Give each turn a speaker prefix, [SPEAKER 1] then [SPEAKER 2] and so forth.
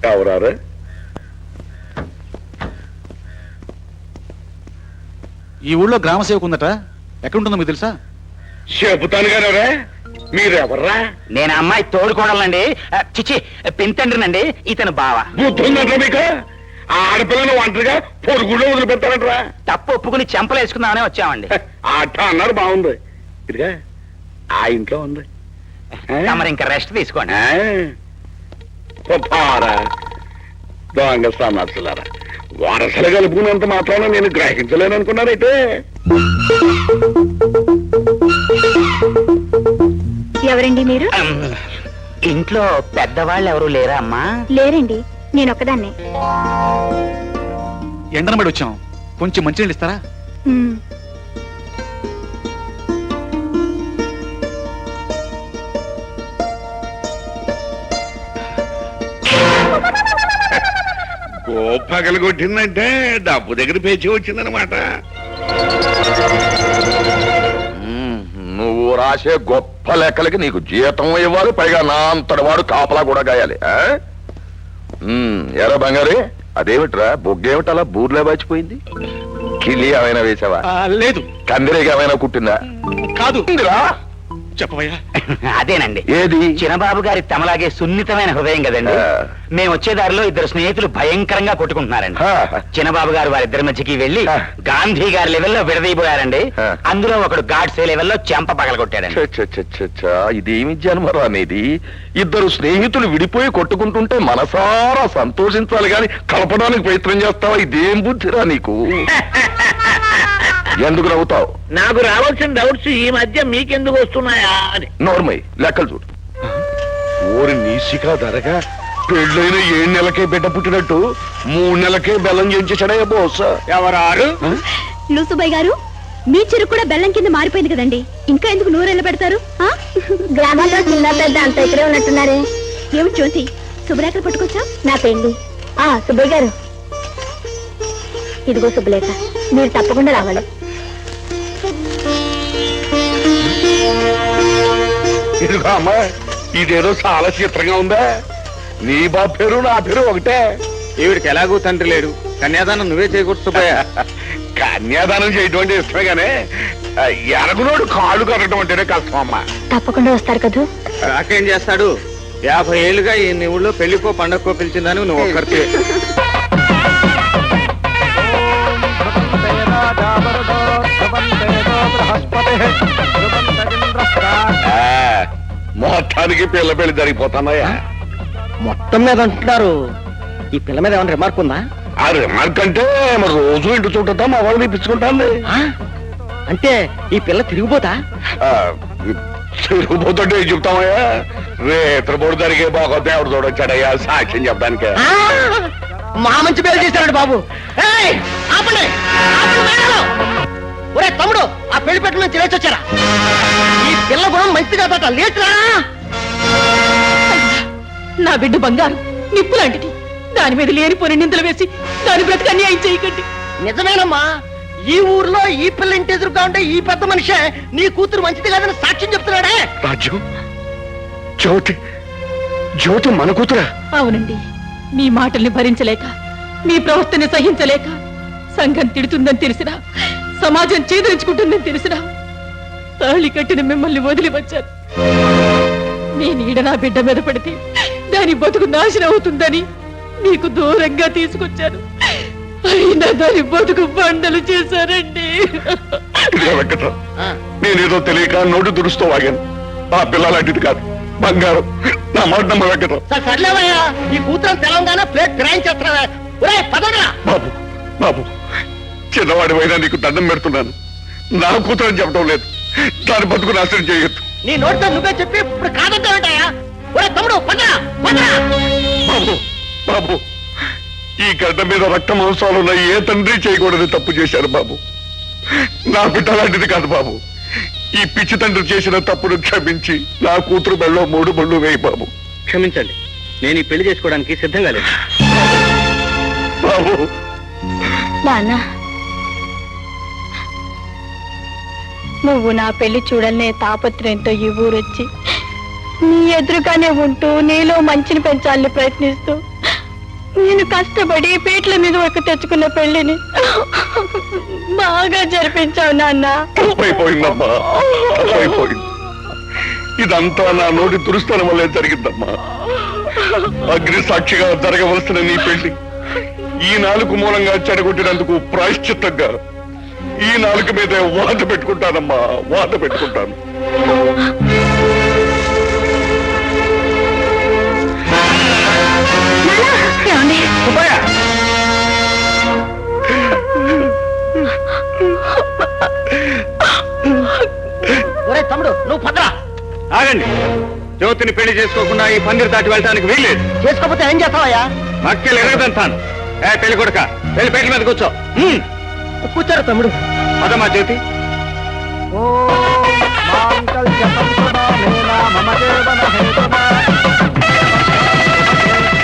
[SPEAKER 1] ఎవరారు?
[SPEAKER 2] ఈ ఊళ్ళో గ్రామ సేవకు ఉందట, ఎక్కడుంటుందో మీకు తెలుసా?
[SPEAKER 1] చెబుతాను కానీ మీరెవర్రా?
[SPEAKER 3] నేను అమ్మాయి తోడుకోడాలండి, చిచి పింతండ్రినండి, ఇతను బావ.
[SPEAKER 1] బుద్ధుందంటే మీకు? ఆడపిల్లని ఒంటరిగా పొరుగులో వదిలిపెడతారంటరా?
[SPEAKER 3] తప్పు ఒప్పుకుని చెంపలేసుకుందామనే వచ్చామండి.
[SPEAKER 1] అట్ట అన్నారు, బాగుంది. ఇదిగా ఆ ఇంట్లో ఉంది,
[SPEAKER 3] మరి ఇంకా రెస్ట్ తీసుకోండి.
[SPEAKER 1] దొంగ సమాసులారా, వరసలు కలుపుకున్నంత మాత్రాన నేను గ్రహించలేను అనుకున్నారైతే.
[SPEAKER 4] ఎవరండి మీరు?
[SPEAKER 3] ఇంట్లో పెద్దవాళ్ళు ఎవరు లేరా అమ్మా?
[SPEAKER 4] లేరండి, నేను ఒక్కదాన్నే.
[SPEAKER 2] ఎండనబడి వచ్చాం, కొంచెం మంచినీళ్ళు ఇస్తారా?
[SPEAKER 1] గోపగలు కొట్టిందంటే డబ్బు దగ్గర పేచి వచ్చిందనమాట.
[SPEAKER 5] నువ్వు రాసే గొప్ప లెక్కలకి నీకు జీతం ఇవ్వాలి, పైగా నా అంతటి వాడు కాపలా కూడా గాయాలి. ఎరా బంగారి, అదేమిట్రా బొగ్గేమిటి అలా బూర్లే బాచిపోయింది? కిలి ఏమైనా వేసావా?
[SPEAKER 2] లేదు.
[SPEAKER 5] కందిరీగా ఏమైనా కుట్టిందా?
[SPEAKER 2] కాదు.
[SPEAKER 3] చెప్పవయ్యా. అదేనండి,
[SPEAKER 5] ఏది?
[SPEAKER 3] చిన్నబాబు గారి తమలాగే సున్నితమైన హృదయం కదండి. మేము వచ్చే దారిలో ఇద్దరు స్నేహితులు భయంకరంగా కొట్టుకుంటున్నారండి. చిన్నబాబు గారు వారిద్దరి మధ్యకి వెళ్లి గాంధీ గారి లెవెల్లో విడదీయబోయారండి. అందులో ఒకడు గాడ్సే లెవెల్లో చెంప పగలగొట్టాడండి.
[SPEAKER 5] ఇదేమి జన్మరా అనేది? ఇద్దరు స్నేహితులు విడిపోయి కొట్టుకుంటుంటే మనసారా సంతోషించాలి గాని కలపడానికి ప్రయత్నం చేస్తావా? ఇదేం బుద్ధిరా నీకు? ఎందుకు నవ్వుతావు?
[SPEAKER 3] నాకు రావాల్సిన డౌట్స్ ఈ మధ్య మీకెందుకు వస్తున్నాయా అని.
[SPEAKER 5] నోర్మై, లెక్కలు చూడు.
[SPEAKER 1] ఊరి నీసికా ధరగా పెళ్ళైన 7 నెలలకే బిడ్డ పుట్టినట్టు 3 నెలలకే బెల్లం చేయించాడయ్యా బోస్.
[SPEAKER 3] ఎవరారు?
[SPEAKER 4] లూసుబాయ్ గారు, మీ చెరుకు కూడా బెల్లం కింద మారిపోయింది కదండి, ఇంకా ఎందుకు నూరెళ్ళ పెడతారు? గ్రామాల్లో చిన్న పెద్ద అంత ఇక్కడే ఉన్నట్టున్నారే. ఏమి జ్యోతి, శుభ్రేఖలు పట్టుకొచ్చా? నా పెళ్లి. సుబ్బయ్య గారు, ఇదిగో శుభలేఖ, మీరు తప్పకుండా రావాలి.
[SPEAKER 1] ఇదిగో అమ్మా, ఇదేదో చాలా చిత్రంగా ఉందా? నీ బాబు పేరు నా పేరు ఒకటే.
[SPEAKER 2] ఈవిడికి ఎలాగూ తండ్రి లేడు, కన్యాదానం నువ్వే చేయకూడదు.
[SPEAKER 1] కన్యాదానం చేయటం అంటే ఇష్టమే గానీ ఎరగునోడు కాళ్ళు కట్టడం అంటేనే కష్టం అమ్మా.
[SPEAKER 4] తప్పకుండా వస్తారు కదా?
[SPEAKER 2] నాకేం చేస్తాడు? 50 ఏళ్ళుగా ఈ ఊళ్ళో పెళ్లికో పండగకో పిలిచిందని నువ్వు ఒక్కరికే.
[SPEAKER 1] మొత్తానికి పిల్ల పెళ్లి జరిగిపోతున్నాయా?
[SPEAKER 3] మొత్తం మీద అంటున్నారు. ఈ పిల్ల మీద ఏమైనా రిమార్క్ ఉందా?
[SPEAKER 1] ఆ రిమార్క్ అంటే మరి రోజు ఇంటి చుట్టూ మా వాళ్ళు ఇప్పించుకుంటాను.
[SPEAKER 3] అంటే ఈ పిల్ల తిరిగిపోతా?
[SPEAKER 1] తిరిగిపోతుంటే ఏం చెప్తామయ్యా? రేత్రపోడు జరిగే బాగోతే ఎవరు చూడొచ్చాడయ్యా సాక్ష్యం చెప్పడానికి?
[SPEAKER 3] మా మంచి పేరు చేశారండి బాబు. ఒరే తమ్ముడు, ఆ పెళ్లి పెట్టు నుంచి లేచొచ్చారా? ఈ పిల్ల గుణం మంచిగా తట లేచురా.
[SPEAKER 6] నా బిడ్డ బంగారు నిప్పు లాంటిది, దాని మీద లేనిపోని నిందలు వేసి దాని బ్రతికి అన్యాయం చేయకండి.
[SPEAKER 3] నిజమేనమ్మా, ఈ ఊర్లో ఈ పిల్ల ఇంటి ఎదురుగా ఉంటే ఈ పెద్ద మనిషే నీ కూతురు మంచిది కాదని సాక్ష్యం చెప్తున్నాడే.
[SPEAKER 1] రాజ్యం, జ్యోతి, జ్యోతి మన కూతురా?
[SPEAKER 6] అవునండి, మీ మాటల్ని భరించలేక, మీ ప్రవర్తన సహించలేక, సంఘం తిడుతుందని తెలిసినా, సమాజం చేదరించుకుంటుందని తెలిసినా తాళి కట్టిన మిమ్మల్ని వదిలి వచ్చాను. మీ నీడ నా బిడ్డ మీద పడితే దాని బతుకు నాశనం అవుతుందని మీకు దూరంగా తీసుకొచ్చాను. అయినా దాని బతుకు బండలు చేశారండి.
[SPEAKER 1] నేనేదో తెలియక నోటు దురుస్తూ వాగాను. ఆ పిల్ల లాంటిది కాదు, బంగారం. నా మాట నమ్మ వెంకటం.
[SPEAKER 3] సర్లేవయ్యా, ఈ కూతురు తెలంగాణ ప్లేట్ ఫిరాయించేస్తున్నావా?
[SPEAKER 1] బాబు, బాబు, చిన్నవాడి అయినా నీకు దండం పెడుతున్నాను. నా కూతురు అని చెప్పడం లేదు, దాని బతుకు నాశనం చేయొద్దు.
[SPEAKER 3] నీ నోటితో నువ్వే చెప్పి ఇప్పుడు కాదంటావేంటయ్యా? తమ్ముడు,
[SPEAKER 1] బాబు, బాబు, ఈ గడ్డ మీద రక్త మాంసాలున్న ఏ తండ్రి చేయకూడదు తప్పు చేశారు బాబు. నా బిడ్డ లాంటిది కాదు బాబు. ఈ పిచ్చి తండ్రి చేసిన తప్పును క్షమించి నా కూతురు బెళ్ళలో 3 బళ్ళు వేయి బాబు.
[SPEAKER 3] క్షమించండి, నేను ఈ పెళ్లి చేసుకోవడానికి సిద్ధంగా లేదు.
[SPEAKER 1] బాబు,
[SPEAKER 4] నాన్న, నువ్వు నా పెళ్లి చూడాలనే తాపత్రయంతో ఈ ఊరొచ్చి నీ ఎదురుగానే ఉంటూ నీలో మంచిని పెంచాలని ప్రయత్నిస్తూ నేను కష్టపడి పీటల మీద ఒక తెచ్చుకున్న పెళ్లిని బాగా జరిపించావు నాన్న.
[SPEAKER 1] తప్పైపోయిందమ్మా, తప్పైపోయింది. ఇదంతా నా నోటి దురుస్తనం వల్లే జరిగిందమ్మా. అగ్ని సాక్షిగా జరగవలసిన నీ పెళ్లి ఈ నాలుగు మూలంగా చెడగొట్టినందుకు ప్రాయశ్చిత్తంగా ఈ నాలుగు మీద వాత పెట్టుకుంటానమ్మా, వాత పెట్టుకుంటాను.
[SPEAKER 3] తమ్ముడు నువ్వు పదరా.
[SPEAKER 2] ఆగండి. జ్యోతిని పెళ్లి చేసుకోకుండా ఈ పందిరి దాటి వెళ్ళడానికి వీల్లేదు.
[SPEAKER 3] చేసుకోకపోతే ఏం చేస్తావయ్యా?
[SPEAKER 2] మక్కెలు ఎరగదంతాను. పెళ్లి కొడుక పెళ్లి పెళ్లి మీద కూర్చో.
[SPEAKER 3] కూర్చోరు తమ్ముడు.
[SPEAKER 2] పదమ్మా జ్యోతి.
[SPEAKER 3] ఓ